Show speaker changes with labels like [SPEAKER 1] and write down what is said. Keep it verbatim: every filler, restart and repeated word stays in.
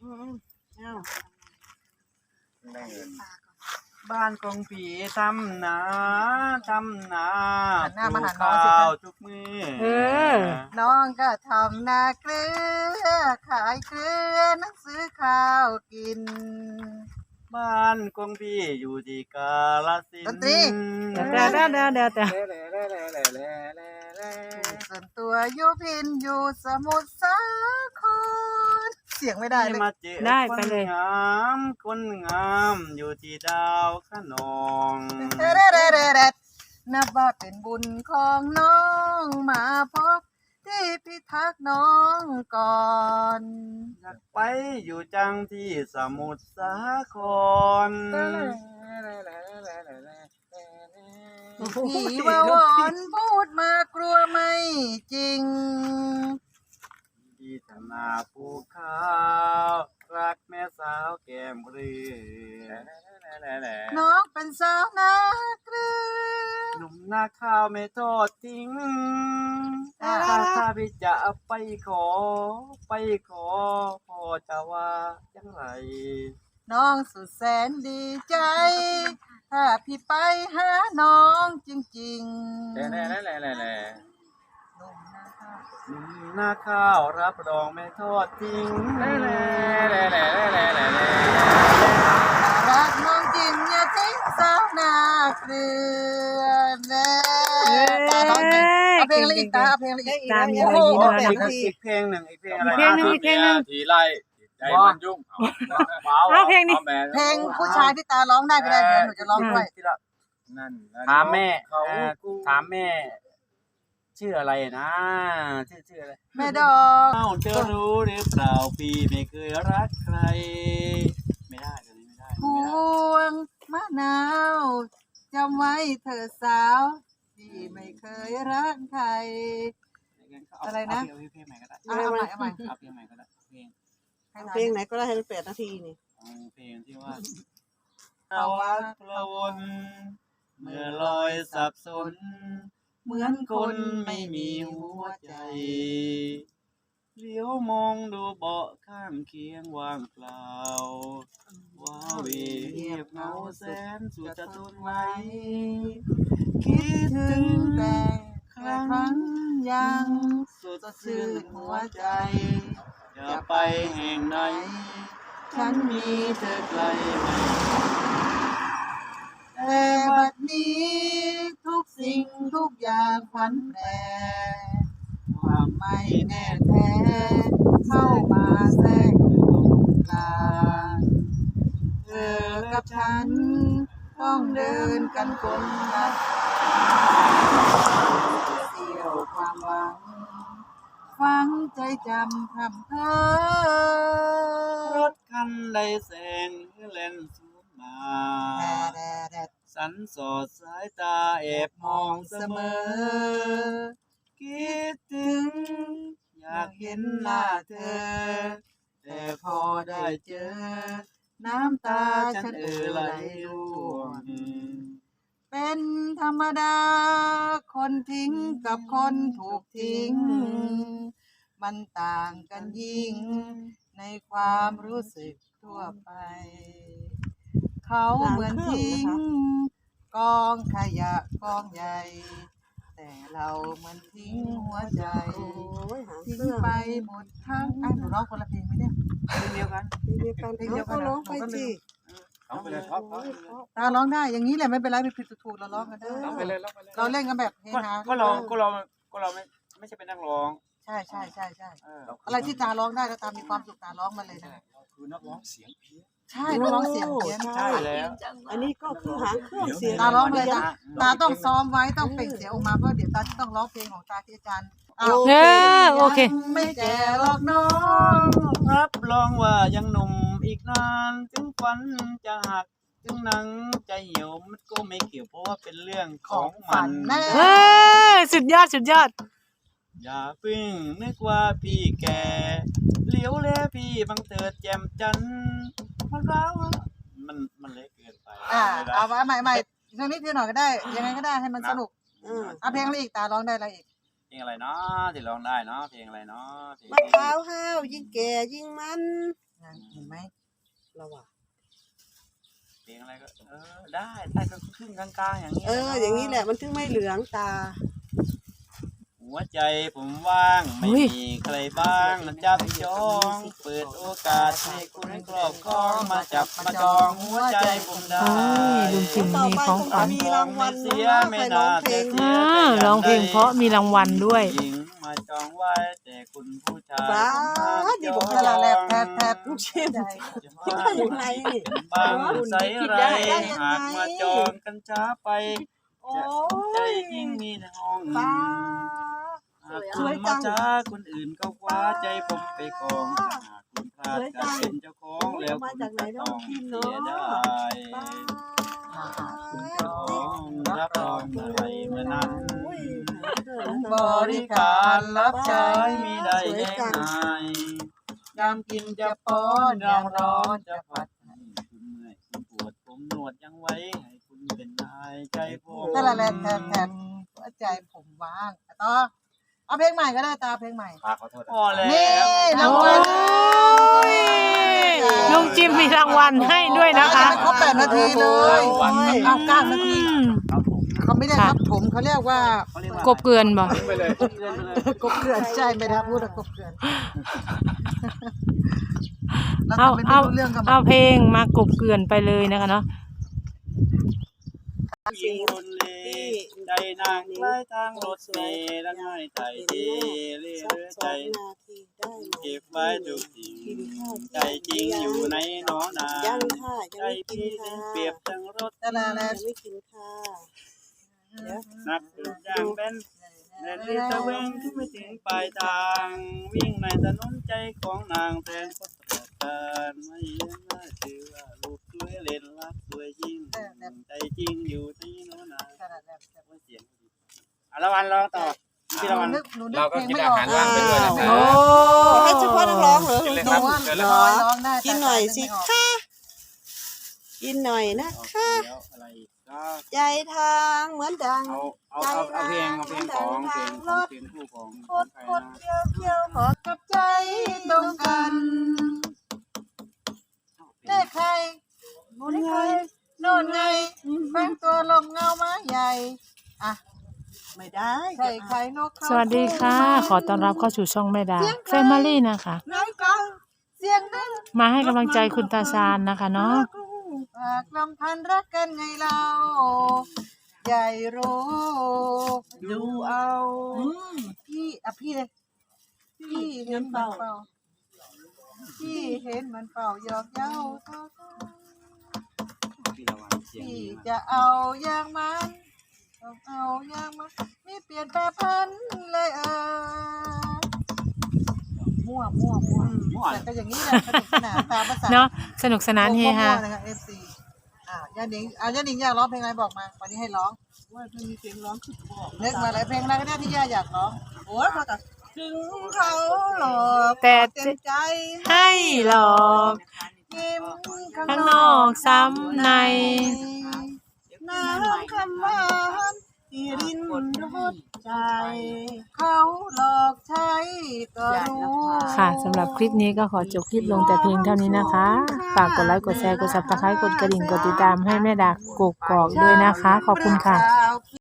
[SPEAKER 1] เอา
[SPEAKER 2] ได้เงิน
[SPEAKER 3] บ้านของผีทำนาทำนา
[SPEAKER 4] หันหน้ามาหาน้
[SPEAKER 3] ข้
[SPEAKER 4] องสิ
[SPEAKER 3] า
[SPEAKER 4] คะ
[SPEAKER 3] วทุกมือ
[SPEAKER 1] เออ
[SPEAKER 4] น้องก็ทำนาเกลือขายเกลือหนังสือข้าวกิน
[SPEAKER 3] บ้านของพี่อยู่ที่กาฬสิน
[SPEAKER 4] ดนตรี
[SPEAKER 1] เดี๋ยวเดี๋ยวเดี๋ยวเดี๋ยวเดี๋ยวเดี๋ยว
[SPEAKER 2] เล่เล่เล่เล่เล่เล่เล่
[SPEAKER 4] ส่วนตัวอยู่พินอยู่สมุทรสาครเสียงไม่ได้เลย
[SPEAKER 3] มาเจอ
[SPEAKER 1] ได้
[SPEAKER 3] คน
[SPEAKER 1] ไปเลย
[SPEAKER 3] งามคนงามอยู่ที่ดาวขนอง
[SPEAKER 4] เด้เด้เด้เด้นับว่าเป็นบุญของน้องมาพบที่พิทักษ์น้องก่อน
[SPEAKER 3] อยากไปอยู่จังที่สมุทรสาคร
[SPEAKER 4] ผีว่าวอนพูดมากลัวไม่จริง
[SPEAKER 3] ที่ทนาภูข้าวรักแม่สาวแก้มเรือ
[SPEAKER 4] น้องเป็นสาวนาเกลือ
[SPEAKER 3] หนุ่มนาข้าวไม่ทอดทิ้ง
[SPEAKER 4] อ่า
[SPEAKER 3] ถ้าถ้าพี่จะไปขอ ไปขอพ่อจะว่าจังไร
[SPEAKER 4] น้องสุดแสนดีใจ ถ้าพี่ไปหาน้องจริงๆ
[SPEAKER 2] เล่เล่เล่เล่เล่
[SPEAKER 4] หนุ่มนาข้าว
[SPEAKER 3] หนุ่มนาข้าวรับรองไม่ทอดทิ้ง
[SPEAKER 2] เล่เล่เล่เล่เล่เล่เล่
[SPEAKER 4] รักน้องจริงอย่าทิ้งสาวนาเกลือแน่ตาน้องจริงเอาเพลงอะไรอีกตาเอาเพลงอะไรอีก
[SPEAKER 1] ตาม
[SPEAKER 4] โอ้โห
[SPEAKER 1] เลย
[SPEAKER 3] อี
[SPEAKER 1] นะ
[SPEAKER 3] กอีกเพลงหนึ่งอีกเพลงอะไร
[SPEAKER 1] เพลงหนึ่ง
[SPEAKER 2] ทีเดียวทีไล่ใจมันยุ่ง
[SPEAKER 1] เอาเพลงนี้
[SPEAKER 4] เพลงผู้ชายที่ตาร้องได้ก็ได้เดี๋ยวหนูจะร้องด้วย
[SPEAKER 3] ที่ละ
[SPEAKER 2] นั่น
[SPEAKER 3] ถามแม่
[SPEAKER 2] เขา
[SPEAKER 3] เอ่อถามแม่ ชื่ออะไรนะชื่อชื่ออะไร
[SPEAKER 4] แม่ดอก
[SPEAKER 3] เอ้าเธอรู้หรือเปล่าพี่ไม่เคยรักใคร ไม่ได้เลยไม่ได้
[SPEAKER 4] พ
[SPEAKER 3] ไม่ได้
[SPEAKER 4] วงมะนาวจำไว้เธอสาวที่ไม่เคยรักใคร อะไรนะ
[SPEAKER 3] เอาเพลงใหม่ก็ได้
[SPEAKER 4] เอาเอาใหม่เอาใหม่
[SPEAKER 3] เอาเพลงใหม่ก็ได้เพลง
[SPEAKER 4] ให้
[SPEAKER 1] เพลงไหนก็ได้ให้มันแปดนาทีนี่
[SPEAKER 3] เอาเพลงที่ว่าภาวะกระวนเมื่อลอยสับสน เหมือนคนไม่มีหัวใจเลี้ยวมองดูเบาะข้างเคียงว่างเปล่าว้าเหวเงียบเหงาแสนสุดจะทนไหวคิดถึง
[SPEAKER 4] แต่
[SPEAKER 3] ครั้
[SPEAKER 4] ครั้
[SPEAKER 3] ง
[SPEAKER 4] งยัง
[SPEAKER 3] สุดชื่นหัวใจอย่าไปแห่งไหน ฉันมีเธอไกลไม่
[SPEAKER 4] แต่บัดนี้ทุกสิ่งทุกอย่างผันแปรความไม่แน่แท้เข้ามาแทรกอยู่ตรงกลางเธอกับฉันต้องเดินกันคนละเสี้ยวความหวังฟังใจจำคำเธอ
[SPEAKER 3] รถคันใดแสงเล่นสวนมา
[SPEAKER 4] แดดแดด
[SPEAKER 3] สันสอดสายตาแอบมองเสมอ คิดถึง อยากเห็นหน้าเธอ แต่พอได้เจอ น้ำตาฉันเอ่อไหลร่วง
[SPEAKER 4] เป็นธรรมดา คนทิ้งกับคนถูกทิ้ง มันต่างกันยิ่ง ในความรู้สึกทั่วไป เขาเหมือนทิ้ง กองขยะกองใหญ่ แต่เราเหมือนทิ้งหัวใจ ทิ้งไปหมดทั้งอ่ะหนูร้องคนละเพลงไหมเนี่ย
[SPEAKER 3] เพลงเดียวกัน
[SPEAKER 1] เดียวกันเขาก็ร้องไปสิ
[SPEAKER 2] เอาไปเลยท็อปท็อป
[SPEAKER 4] ตาร้องได้อย่างนี้แหละไม่เป็นไรไม่ผิดถูกๆเราร้องกันได้
[SPEAKER 2] เอาไปเลยเอาไปเลย
[SPEAKER 4] เราเล่นกันแบบเฮ
[SPEAKER 3] ก็
[SPEAKER 4] ฮา
[SPEAKER 3] ก็เราก็เราก็เราไม่ไม่ใช่เป็นนักร้อง
[SPEAKER 4] ใช่ใช่ใช่ใช่
[SPEAKER 3] เออ
[SPEAKER 4] อะไรที่ตาร้องได้ก็ตามีความสุขตาร้องมาเลยนะ
[SPEAKER 2] คือนักร้องเสียงเพี้ยน
[SPEAKER 4] ใช่นักร้องเสียงเพี้ยน
[SPEAKER 3] ใช่แล้ว
[SPEAKER 1] อันนี้ก็คือหางเครื่องเสียง
[SPEAKER 4] ตาร้องเลยนะตาต้องซ้อมไว้ต้องเปล่งเสียงออกมาเพราะเดี๋ยวตาจะต้องร้องเพลงของตาที่อาจารย์อ้าว
[SPEAKER 1] เออโอเค
[SPEAKER 4] ยังไม่แก่หรอกน้อง
[SPEAKER 3] รับรองว่ายังหนุ่มอีกนานถึงฝันจะหักถึงหนังจะเหี่ยวมันก็ไม่เกี่ยวเพราะว่าเป็นเรื่องของมัน
[SPEAKER 4] แน่
[SPEAKER 1] เออสุดยอดสุดยอด
[SPEAKER 3] อย่าเพิ่งนึกว่าพี่แก่เหลียวแลพี่บังเถิดแจ่มจันทร์มันร้าวมันมันเล็กเกินไป
[SPEAKER 4] อ่า
[SPEAKER 3] ไม่ได้
[SPEAKER 4] เอาไว้ใหม่ใหม่ทีนี้ทีหน่อยก็ได้ ยังไงก็ได้ให้มันสนุก
[SPEAKER 1] อืม
[SPEAKER 4] เอาเพลงอะไรอีกตาร้องได้อะไรอีก
[SPEAKER 3] เพลงอะไรเนาะที่ร้องได้เนาะเพลงอะไรเนาะเพลง
[SPEAKER 1] มะพร้าวห้าวยิ่งแก่ยิ่งมัน
[SPEAKER 4] นางเห็นไหม
[SPEAKER 1] เราอะ
[SPEAKER 3] เพลงอะไรก็เออได้ได้ก็ครึ่งกลางๆอย่างนี้
[SPEAKER 1] เออ อย่างนี้แหละมันถึงไม่เหลืองตา
[SPEAKER 3] หัวใจผมว่างไม่มีใครบ้างจับจองเปิดโอกาสให้คุณครอบครองมาจับมาจองหัวใจผมได้
[SPEAKER 5] โอ้ยลุงจิมมีของขวัญ
[SPEAKER 1] มีรางวัล
[SPEAKER 3] เสีย
[SPEAKER 1] นะ
[SPEAKER 3] ไม่
[SPEAKER 1] ใครร้
[SPEAKER 3] น่า
[SPEAKER 1] องเพล
[SPEAKER 3] จะ
[SPEAKER 1] ง
[SPEAKER 3] เสีย
[SPEAKER 5] อ่าร้องเพลงเพราะมีรางวัลด้วย
[SPEAKER 3] หญิงมาจองไว้แต่คุณผู้ชาย
[SPEAKER 1] ว้า
[SPEAKER 3] ผม
[SPEAKER 1] ดี
[SPEAKER 3] ห้าม
[SPEAKER 1] บอก
[SPEAKER 3] จ
[SPEAKER 1] ต
[SPEAKER 3] อง
[SPEAKER 1] ลาดแลบ
[SPEAKER 4] แทบแทบ
[SPEAKER 1] ลูกชิม
[SPEAKER 4] ใจ
[SPEAKER 1] คิดว่าอย่างไรนี่
[SPEAKER 3] บางใสไรหากมาจองกันช้าไป
[SPEAKER 1] โอ้
[SPEAKER 3] ใจ
[SPEAKER 1] ย
[SPEAKER 3] ยิ่งมีในห้อง
[SPEAKER 1] ป้า
[SPEAKER 3] หากคุณมาช้าคนอื่นก็คว้าใจผมไปกองถ้าหากคุณพลาดการเป็นเจ้าของแล้วคุณจะต้องเสียดาย
[SPEAKER 1] ป้า
[SPEAKER 3] ของรับรองอะไรเมื่อนั้น
[SPEAKER 1] อุ้ย
[SPEAKER 3] บริการรับใช้มีได้แน่นายยามกินจะป้อนยามร้อนจะผัดให้คุณเมื่อยคุณปวดผมนวดยังไว้ให้คุณเป็นนายใจผม
[SPEAKER 4] ตะละแลแทบแทบหัวใจผมว่างต่อเอาเพลงใหม่ก็ได้ตาเพลงใหม่
[SPEAKER 2] ขอโทษ
[SPEAKER 3] พอแล้ว
[SPEAKER 4] นี่ราง
[SPEAKER 5] โอ้
[SPEAKER 4] วัล
[SPEAKER 5] ยลุงจิมมีรางวัลให้ด้วยนะคะ
[SPEAKER 4] ยังไม่ครบแปดนาทีเลยเอาเก้านาที
[SPEAKER 5] อืม
[SPEAKER 4] เขาไม่ได้ครับผมเขาเรียกว่า
[SPEAKER 3] เขาเรียกว่าก
[SPEAKER 5] บเกลือนบ่
[SPEAKER 2] ไปเลย
[SPEAKER 3] เกินไปเลย
[SPEAKER 4] กบเกลื่อนใช่ไม่ได้พูดว่ากบเกลื่อนแล้ว
[SPEAKER 5] เอา
[SPEAKER 4] ทำไมไม่
[SPEAKER 5] เอา
[SPEAKER 4] รู้เรื่องกัน
[SPEAKER 5] เอาเพลงมากบเกลือนไปเลยนะคะเนาะ
[SPEAKER 3] หญิงรุนเลใจนางใกล้ทางรถเมล์และง่ายใจดีเรื่
[SPEAKER 1] สัก
[SPEAKER 3] อย
[SPEAKER 1] ส
[SPEAKER 3] ใจ
[SPEAKER 1] องนาทีได้ไหม
[SPEAKER 3] เก็บไว้ทุกสิ่งใจจริงอยู่ในหนอนา
[SPEAKER 1] ยังค่ะ
[SPEAKER 3] ใจ
[SPEAKER 1] ยังไม่กิน
[SPEAKER 3] พี่
[SPEAKER 1] ค่ะ
[SPEAKER 3] เปรียบดังรถ
[SPEAKER 4] ตะละแล
[SPEAKER 1] ยังไม่กินค่ะเดี๋ยว
[SPEAKER 3] นักเดินยางเป็นแดนเรือตะเวงที่ไม่ถึงปลายทางวิ่งในถนนใจของนางแทนคนประการไม่น่าเชื่อว่าลูกสวยเล่นรักสวยยิ่งใจจริงอยู่ในหนอนา
[SPEAKER 4] ตะละแล
[SPEAKER 3] ว่าเสียงดีอ่ะละวันรอต่อพี่ละวัน
[SPEAKER 4] นึกหนูนึก
[SPEAKER 2] เรา
[SPEAKER 4] เพ
[SPEAKER 2] ก็
[SPEAKER 4] ลง
[SPEAKER 2] กิน
[SPEAKER 4] ไม่
[SPEAKER 2] อา
[SPEAKER 4] ออก
[SPEAKER 2] หารว่างไปด้วยนะค
[SPEAKER 5] โอ้
[SPEAKER 2] รับ
[SPEAKER 1] ให้เฉพาะนักร้องเหรอ
[SPEAKER 2] กินเลย
[SPEAKER 1] ห
[SPEAKER 2] ครั
[SPEAKER 1] นู
[SPEAKER 2] บ
[SPEAKER 1] ว่า
[SPEAKER 2] เชิญ
[SPEAKER 1] เห
[SPEAKER 2] เล
[SPEAKER 1] ร
[SPEAKER 2] ย
[SPEAKER 1] อ
[SPEAKER 4] ร้องได้
[SPEAKER 1] กินหน่อยสิค่ะกินหน่อยนะ
[SPEAKER 3] เอา
[SPEAKER 1] คะ
[SPEAKER 3] แล้วอะไรอีกก็
[SPEAKER 1] ใจทางเหมือนดัง
[SPEAKER 3] เอาเอาเอาเอาเพลงเอาเพลงของเพลงของเพลงคู่ของ
[SPEAKER 1] โค
[SPEAKER 3] ของ
[SPEAKER 1] ตร
[SPEAKER 3] ใคร
[SPEAKER 1] โคตร
[SPEAKER 3] นะ
[SPEAKER 1] เที่ยวเที่ยวหอ
[SPEAKER 4] กับใจตรงกันได้ใครโน่นไงโน่นไงแฝงตัวลงเงาไม้ใหญ่อ่ะ
[SPEAKER 1] ไม่ได้
[SPEAKER 4] ใส่ไข่นกเขา
[SPEAKER 5] สวัสดีค่ะ ขอต้อนรับเข้าสู่ช่องแม่ดาแฟมิลี่นะคะ
[SPEAKER 1] น้ำกัง
[SPEAKER 4] เสียงดัง
[SPEAKER 5] มาให้กำลังใจคุณตาชาญนะคะเนาะ
[SPEAKER 4] ฝากลำพันรักกันไงเราใหญ่รู้ดูเอาพี่อ่ะพี่เลยพี่เห็นมันเป่าพี่เห็นมันเป่าหยอกเย้า
[SPEAKER 3] พี่ละวันเสียง
[SPEAKER 4] พี่
[SPEAKER 3] ดีมาก
[SPEAKER 4] จะเอาอย่างมันต้องเอาอย่างมันไม่เปลี่ยนแปรพันเลยเออมั่วมั่วมั่ว
[SPEAKER 3] ม่วน
[SPEAKER 4] แต่ก็อย่างนี้แหละสนุกสนานตามภาษา
[SPEAKER 5] เนาะสนุกสนานเฮฮา
[SPEAKER 4] มั่วๆนะคะเอฟซีอ่าย่าหนิงอ่าย่าหนิงอยากร้องเพลงอะไรบอกมาวันนี้ให้ร้อง
[SPEAKER 1] ว่าเพิ่งมีเสียงร้องขึ้นบอก
[SPEAKER 4] เลือกมาหลายเพลงอะไรก็ได้ที่ย่าอยากร้อง
[SPEAKER 1] โอ้ยพอแต่ถึงเขาหลอก
[SPEAKER 5] แต่
[SPEAKER 1] เต็มใจ
[SPEAKER 5] ให้หลอก
[SPEAKER 4] ยิ้ม
[SPEAKER 5] ข้างนอกซ้ำใน
[SPEAKER 1] น้ำคำหวานที่รินรสใจ
[SPEAKER 4] เขาหลอกใช้ก็รู้
[SPEAKER 5] ค่ะสำหรับคลิปนี้ก็ขอจบคลิปลงแต่เพียงเท่านี้นะคะฝากกดไลค์กดแชร์กดซับสไครต์กดกระดิ่งกดติดตามให้แม่ดากกกอกด้วยนะคะ ขอบคุณค่ะ
[SPEAKER 4] เปล่า